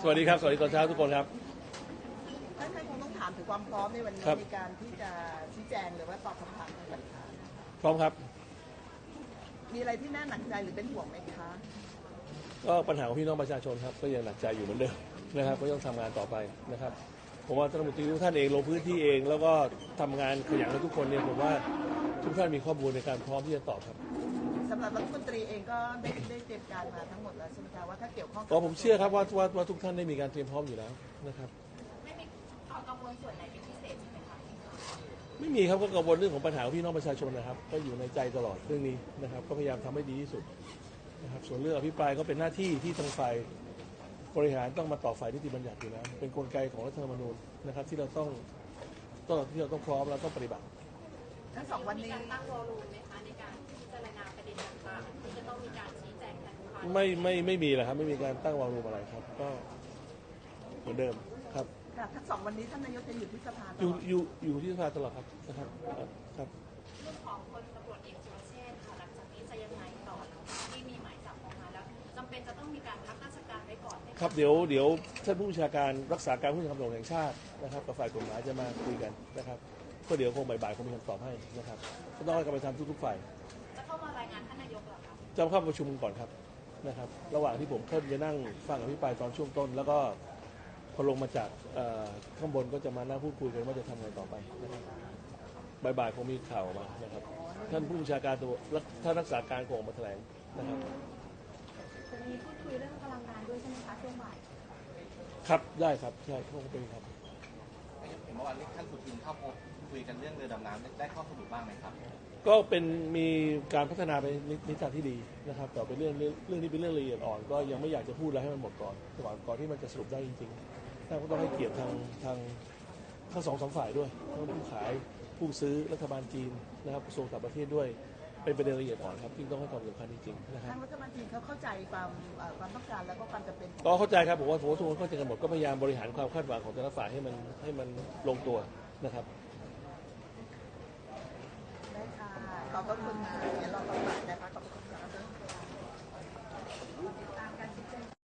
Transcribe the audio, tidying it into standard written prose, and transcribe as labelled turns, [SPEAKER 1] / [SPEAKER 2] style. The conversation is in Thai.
[SPEAKER 1] วัสดีครับสวัสดีตอนเช้าทุกคนครับ
[SPEAKER 2] ท่านคงต้องถามถึงความพร้อมในวันนี้ในการที่จะชี้แจงหรือว่าตอบคำถามต่างๆ
[SPEAKER 1] พร้อมครับ
[SPEAKER 2] มีอะไรที่น่าหนักใจหรือเป็นห่วงไหมคะ
[SPEAKER 1] ก็ปัญหาของพี่น้องประชาชนครับก็ยังหนักใจอยู่เหมือนเดิมนะครับก็ต้องทำงานต่อไปนะครับผมว่าท่านรัฐมนตรีทุกท่านเองลงพื้นที่เองแล้วก็ทำงานขยันกันทุกคนเนี่ยผมว่าทุกท่านมีข้อมูลในการพร้อมที่จะตอบครับ
[SPEAKER 2] สำหรับรัฐมนตรีเองก็ได้เตรียมการมาทั้งหมดแล้วใช่ไหมคะว่าถ้าเกี่ยวข้อง
[SPEAKER 1] ผมเชื่อครับว่าทุกท่านได้มีการเตรียมพร้อมอยู่แล้วนะครับ
[SPEAKER 3] ไม่มีกังวลส่วนไหนเป็นพิเศษใช่ไหมคะ
[SPEAKER 1] ไม่มีครับก็กังวลเรื่องของปัญหาของพี่น้องประชาชนนะครับก็อยู่ในใจตลอดเรื่องนี้นะครับก็พยายามทำให้ดีที่สุดนะครับส่วนเรื่องอภิปรายก็เป็นหน้าที่ที่ทางฝ่ายบริหารต้องมาต่อฝ่ายนิติบัญญัติอยู่แล้วเป็นกลไกของรัฐธรรมนูญนะครับที่เราต้องพร้อมแล้วต้องปฏิบัติ
[SPEAKER 2] ทั้งสองวันนี้
[SPEAKER 3] มีการตั้งวอลลุ่มไหมคะในการพิจารณาประเด็นต่างๆที่จะต้องมีการชี้แจงแทนลูกค้า
[SPEAKER 1] ไม่มีเลยครับไม่มีการตั้งวอลลุ่มอะไรครับก็เหมือนเดิมครับ
[SPEAKER 2] ทั้งสองวันนี้ท่านนายกจะอยู่ที่สภา
[SPEAKER 1] อยู่ที่สภาตลอดครับนะครับครับ
[SPEAKER 3] เรื่องของพลตำรวจเอกสุรเชษฐ์ค่ะหลังจากนี้จะยังไงต่อที่มีหมายจับออกมาแล้วจำเป็นจะต้องมีการพักราชการไว้ก่อนไหม
[SPEAKER 1] ครับเดี๋ยวท่านผู้บัญชาการรักษาการผู้บัญชาการตำรวจแห่งชาตินะครับกับฝ่ายกฎหมายจะมาคุยกันนะครับก็เดี๋ยวคงบ่ายๆคงมีคำตอบให้นะครับก็ต้องให้กรรมการทุกฝ่าย
[SPEAKER 3] จะเข้ามารายงานท่านนายกเหรอคะ
[SPEAKER 1] จะเข้าประชุมก่อนครับนะครับระหว่างที่ผมเข้าจะนั่งฟังอภิปรายตอนช่วงต้นแล้วก็พอลงมาจากข้างบนก็จะมานั่งพูดคุยกันว่าจะทำไงต่อไปนะครับบ่ายๆคงมีข่าวออกมานะครับท่านผู้บัญชาการตัวท่านรักษาการคงออกมาแถลงนะครับ
[SPEAKER 3] จะมีพูดคุยเรื่องพลังงานด้วยใช่ไหมคะช่วงบ่าย
[SPEAKER 1] ครับได้ครับใช่คงเป็นครับ
[SPEAKER 4] เห็นเมื่อวานนี้ท่านสุทินเข้าพบคุยกันเรื่องเรือดำน้ำได้ข้อสรุปบ้างไหมครับ
[SPEAKER 1] ก็เป็นมีการพัฒนาไปในทางที่ดีนะครับแต่เป็นเรื่องนี้เป็นเรื่องละเอียดอ่อนก็ยังไม่อยากจะพูดอะไรให้มันหมดก่อนที่มันจะสรุปได้จริงๆก็ต้องให้เกียรติทางทั้งสองฝ่ายด้วยทั้งผู้ขายผู้ซื้อรัฐบาลจีนนะครับกระทรวงต่างประเทศด้วยเป็นประเด็นละเอียดอ่อนครับที่ต้องให้ความสำคัญจริงๆนะครับ
[SPEAKER 2] ทางรัฐบาลจีนเขาเข้าใจความต้องการแล้วก็ความจำเป็น
[SPEAKER 1] ก็เข้าใจครับผมว่าทุกคนเข้าใจกันหมดก็พยายามบริหารความคาดหวังของแต่ละฝ่ายให้มันลงตัวนะครับ
[SPEAKER 2] ได้ค่ะขอบคุณ